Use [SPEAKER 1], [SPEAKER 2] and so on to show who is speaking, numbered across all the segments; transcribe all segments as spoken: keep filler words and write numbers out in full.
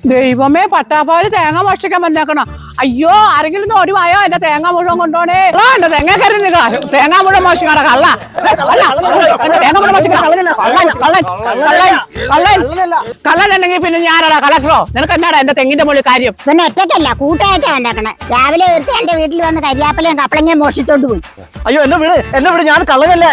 [SPEAKER 1] ദൈവമേ, പട്ടാപ്പാല് തേങ്ങ മോഷ്ടിക്കാൻ വന്നേക്കണം. അയ്യോ, ആരെങ്കിലും ഒരു വായോ എന്റെ തേങ്ങ മുഴുവൻ കൊണ്ടോണേ. എന്റെ തേങ്ങ കരുതി തേങ്ങ മുഴുവൻ മോഷിക്കണ കള്ള തേങ്ങ മുഴുവൻ മോഷിക്കണ കള്ളനുണ്ടെങ്കിൽ പിന്നെ ഞാനടാ കളക്ടറോ? നിനക്ക് എന്നാടാ എന്റെ തെങ്ങിന്റെ മുകളിൽ കാര്യം?
[SPEAKER 2] പിന്നെ ഒറ്റയ്ക്കല്ല, കൂട്ടായിട്ടാ വന്നേക്കണേ. രാവിലെ ഒരുത്തി എന്റെ വീട്ടിൽ വന്ന് കരിയാപ്പലയും കപ്പളങ്ങയും മോഷിച്ചോണ്ട് പോയി.
[SPEAKER 3] അയ്യോ എന്നെ വിട്, എന്നെ വിട്, ഞാൻ കള്ളനല്ല.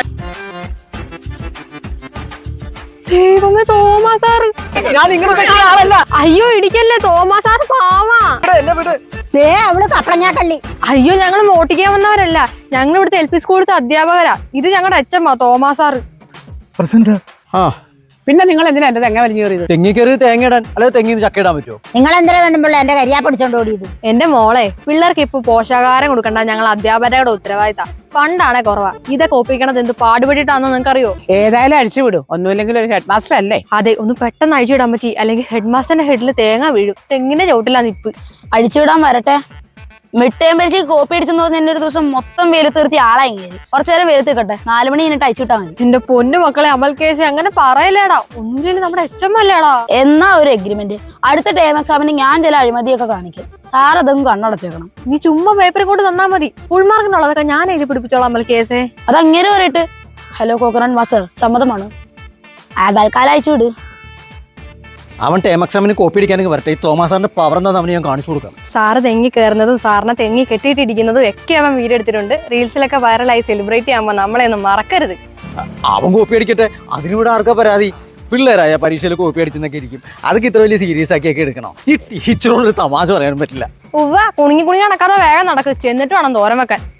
[SPEAKER 4] ദൈവമേ, തോമാ സാർ.
[SPEAKER 3] ഞാൻ നിങ്ങളുടെ ആളല്ല.
[SPEAKER 4] അയ്യോ ഇടിക്കല്ലേ, തോമാ സാർ പാവാ.
[SPEAKER 3] എന്നെ വിട്.
[SPEAKER 2] ദേ അവള് കപ്പളങ്ങാ കള്ളി.
[SPEAKER 4] അയ്യോ ഞങ്ങൾ മോട്ടിക്കാൻ വന്നവരല്ല, ഞങ്ങൾ ഇവിടുത്തെ എൽ പി സ്കൂളിലത്തെ അധ്യാപകരാ. ഇത് ഞങ്ങളുടെ അച്ഛമ്മ തോമാ സാറ്.
[SPEAKER 3] ആ
[SPEAKER 1] പിന്നെ നിങ്ങൾ എന്തിനാ എന്റെ തെങ്ങ വലിഞ്ഞു കയറിയത്?
[SPEAKER 3] തെങ്ങി കയറി തേങ്ങ ഇടാൻ, അല്ലെ തെങ്ങിന്ന് ചക്ക ഇടാൻ പറ്റുമോ?
[SPEAKER 2] നിങ്ങൾ എന്തിനാ വേണ്ടുമ്പോൾ എന്റെ കരിയാ പിടിച്ചോണ്ട് ഓടിയത്?
[SPEAKER 4] എന്റെ മോളെ, പിള്ളേർക്ക് ഇപ്പൊ പോഷകാഹാരം കൊടുക്കണ്ട ഞങ്ങൾ അധ്യാപകരുടെ ഉത്തരവാദിത്തം. പണ്ടാണെ കുറവാ. ഇതൊക്കെ ഒപ്പിക്കണത് എന്ത് പാടുപെട്ടിട്ടാണെന്ന് നിങ്ങൾക്കറിയോ?
[SPEAKER 1] ഏതായാലും അഴിച്ചു വിടും, ഒന്നുമില്ലെങ്കിൽ ഒരു ഹെഡ് മാസ്റ്റർ അല്ലേ?
[SPEAKER 4] അതെ, ഒന്ന് പെട്ടെന്ന് അഴിച്ചുവിടാൻ പറ്റി, അല്ലെങ്കിൽ ഹെഡ് മാസ്റ്ററിന്റെ ഹെഡിൽ തേങ്ങ വീഴും. തെങ്ങിന്റെ ചോട്ടിലാ നിപ്പ്.
[SPEAKER 5] അഴിച്ചുവിടാൻ വരട്ടെ. മിട്ടയം പരിച്ച് കോപ്പി അടിച്ചെന്ന് പറഞ്ഞ എന്നെ ഒരു ദിവസം മൊത്തം വെയിലത്ത് നിർത്തി ആളായി കയറി. കുറച്ചു നേരം വെയിലത്ത് കിട്ടെ, നാലു മണി കഴിഞ്ഞിട്ട് അയച്ചു വിട്ടാൽ മതി.
[SPEAKER 4] എന്റെ പൊന്നു മക്കളെ, അമൽ കേസ് അങ്ങനെ പറയലേടാ. ഒന്നുമില്ല, നമ്മുടെ എച്ചമ്മല്ലേടാ.
[SPEAKER 5] എന്നാ ഒരു എഗ്രിമെന്റ്, അടുത്ത ടേം എക്സാമിന് ഞാൻ ചില അഴിമതിയൊക്കെ കാണിക്കും. സാർ അതൊന്നും കണ്ണടച്ചേക്കണം.
[SPEAKER 4] നീ ചുമ്മാ പേപ്പർ കൊണ്ട് തന്നാ മതി. ഫുൾ മാർക്കിനുള്ളതൊക്കെ ഞാൻ എഴുതി പിടിപ്പിച്ചോളാം അമൽ കേസേ.
[SPEAKER 5] അത് അങ്ങനെ പറയട്ട്. ഹലോ കോക്കറൻ മാസ്റ്റർ, സമ്മതമാണ്. ആ തൽക്കാലം അയച്ചു വിട്.
[SPEAKER 3] അവൻ ടേം എക്സാമിന് കോപ്പി അടിക്കാനൊക്കെ വരട്ടെ. ഈ തോമസ് സാറിന്റെ പവർ എന്താണെന്ന് അവന് ഞാൻ കാണിച്ചു കൊടുക്കാം.
[SPEAKER 4] സാറ് തെങ്ങി കയറുന്നതും സാറിനെ തെങ്ങി കെട്ടിയിട്ടിരിക്കുന്നതും ഒക്കെ അവൻ വീഡിയോ എടുത്തിട്ടുണ്ട്. റീൽസിലൊക്കെ വൈറലായി സെലിബ്രേറ്റ് ചെയ്യുമ്പോൾ നമ്മളെ ഒന്നും മറക്കരുത്.
[SPEAKER 3] അവൻ കോപ്പി അടിക്കട്ടെ, അതിനൂടെ ആർക്കാ പരാതി? പിള്ളേരായ പരീക്ഷയിൽ കോപ്പി അടിച്ചെന്നൊക്കെ ഇരിക്കും. അതൊക്കെ ഇത്ര വലിയ സീരിയസ് ആക്കിയൊക്കെ എടുക്കണം. ഈ ടീച്ചറോട് തമാശ പറയാൻ പറ്റില്ല.
[SPEAKER 4] ഉവ്വ, കുണുങ്ങി കുണുങ്ങി നടക്കാതെ വേഗം നടക്ക്, ചെന്നിട്ട് വേണം തോരൻ വെക്കാൻ.